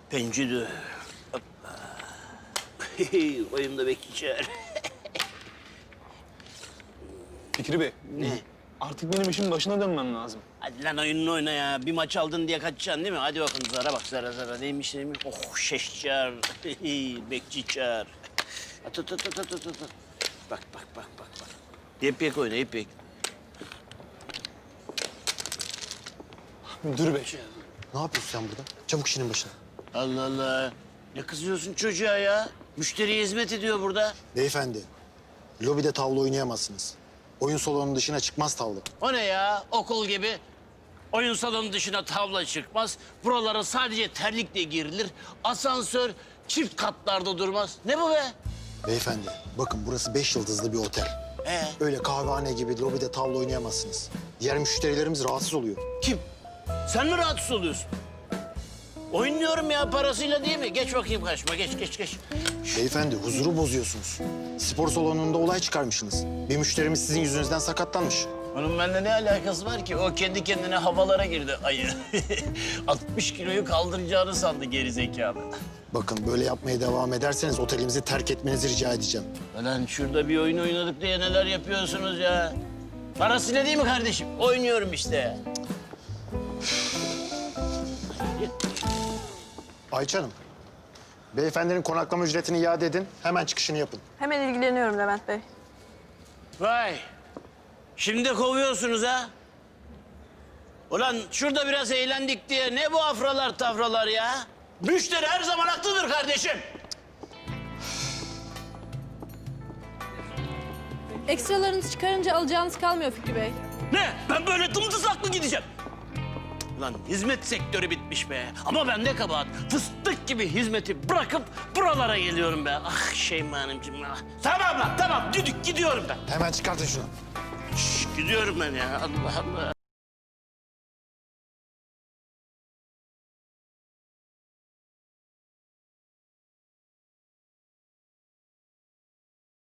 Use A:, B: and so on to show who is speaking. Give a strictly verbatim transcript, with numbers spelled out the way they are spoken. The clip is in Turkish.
A: Pencere. Hoppa. Oyunda bekleyeceğim.
B: Fikri Bey.
A: Ne?
B: Artık benim işin başına dönmem lazım.
A: Hadi lan oyununu oyna ya. Bir maç aldın diye kaçacaksın değil mi? Hadi bakın zara bak zara zara. Neymiş neymiş? Oh şeşçar. Bekçi çağır. At at at at at at. at. Bak bak bak bak bak. İpek oyna ipek.
B: Müdür Bey.
C: Ne yapıyorsun sen burada? Çabuk işinin başına.
A: Allah Allah. Ne kızıyorsun çocuğa ya? Müşteriye hizmet ediyor burada.
C: Beyefendi, lobide tavla oynayamazsınız. Oyun salonunun dışına çıkmaz tavla.
A: O ne ya? Okul gibi. Oyun salonu dışına tavla çıkmaz. Buralara sadece terlikle girilir. Asansör çift katlarda durmaz. Ne bu be?
C: Beyefendi, bakın burası beş yıldızlı bir otel.
A: Ee?
C: Öyle kahvehane gibi lobide tavla oynayamazsınız. Diğer müşterilerimiz rahatsız oluyor.
A: Kim? Sen mi rahatsız oluyorsun? Oynuyorum ya parasıyla değil mi? Geç bakayım karşıma. Geç geç geç.
C: Beyefendi, huzuru bozuyorsunuz. Spor salonunda olay çıkarmışsınız. Bir müşterimiz sizin yüzünüzden sakatlanmış.
A: Onun bende ne alakası var ki? O kendi kendine havalara girdi ayı. altmış kiloyu kaldıracağını sandı geri zekalı.
C: Bakın böyle yapmaya devam ederseniz otelimizi terk etmenizi rica edeceğim.
A: Lan şurada bir oyun oynadık diye neler yapıyorsunuz ya? Parasıyla değil mi kardeşim? Oynuyorum işte.
C: Ayça Hanım, beyefendinin konaklama ücretini iade edin. Hemen çıkışını yapın.
D: Hemen ilgileniyorum Levent Bey.
A: Vay. Şimdi de kovuyorsunuz ha? Ulan şurada biraz eğlendik diye ne bu afralar tafralar ya? Müşteri her zaman haklıdır kardeşim.
D: Ekstralarınızı çıkarınca alacağınız kalmıyor Fikri Bey.
A: Ne? Ben böyle dımdızlak mı gideceğim? Lan hizmet sektörü bitmiş be. Ama ben ne kabahat. Fıstık gibi hizmeti bırakıp buralara geliyorum be. Ah Şeyma Hanımcığım. Ah. Tamam lan tamam. Düdük gidiyorum ben.
C: Hemen çıkartın şunu.
A: Şş, gidiyorum ben ya. Allah Allah.